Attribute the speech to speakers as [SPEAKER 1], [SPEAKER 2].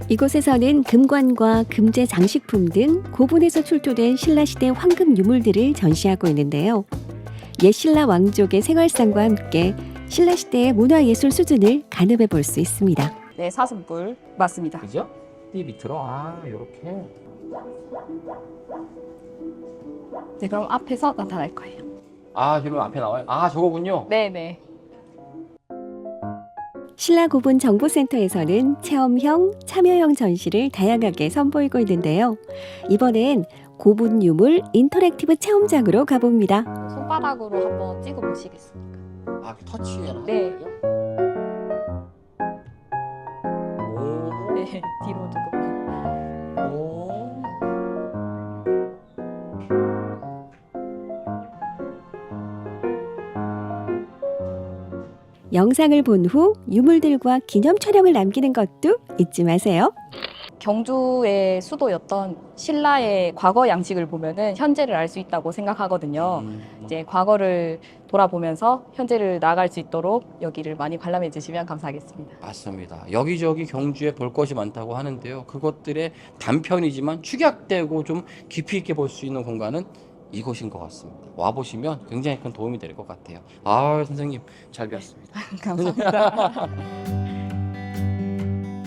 [SPEAKER 1] 이곳에서는 금관과 금제 장식품 등 고분에서 출토된 신라시대 황금 유물들을 전시하고 있는데요. 옛 신라 왕족의 생활상과 함께 신라시대의 문화예술 수준을 가늠해 볼 수 있습니다.
[SPEAKER 2] 네, 사슴뿔 맞습니다.
[SPEAKER 3] 그죠? 띠 밑으로 이렇게.
[SPEAKER 2] 네, 그럼 앞에서 나타날 거예요.
[SPEAKER 3] 지금 앞에 나와요. 저거군요.
[SPEAKER 2] 네네.
[SPEAKER 1] 신라고분 정보센터에서는 체험형, 참여형 전시를 다양하게 선보이고 있는데요. 이번엔 고분 유물 인터랙티브 체험장으로 가봅니다.
[SPEAKER 2] 손바닥으로 한번 찍어 보시겠습니까?
[SPEAKER 3] 터치해라.
[SPEAKER 2] 네.
[SPEAKER 3] 오.
[SPEAKER 2] 네, 뒤로 두고.
[SPEAKER 3] 오.
[SPEAKER 1] 영상을 본 후 유물들과 기념 촬영을 남기는 것도 잊지 마세요.
[SPEAKER 2] 경주의 수도였던 신라의 과거 양식을 보면은 현재를 알 수 있다고 생각하거든요. 이제 과거를 돌아보면서 현재를 나아갈 수 있도록 여기를 많이 관람해 주시면 감사하겠습니다.
[SPEAKER 3] 맞습니다. 여기저기 경주에 볼 것이 많다고 하는데요. 그것들의 단편이지만 축약되고 좀 깊이 있게 볼 수 있는 공간은 이곳인 것 같습니다. 와보시면 굉장히 큰 도움이 될 것 같아요. 선생님 잘 배웠습니다.
[SPEAKER 2] 감사합니다.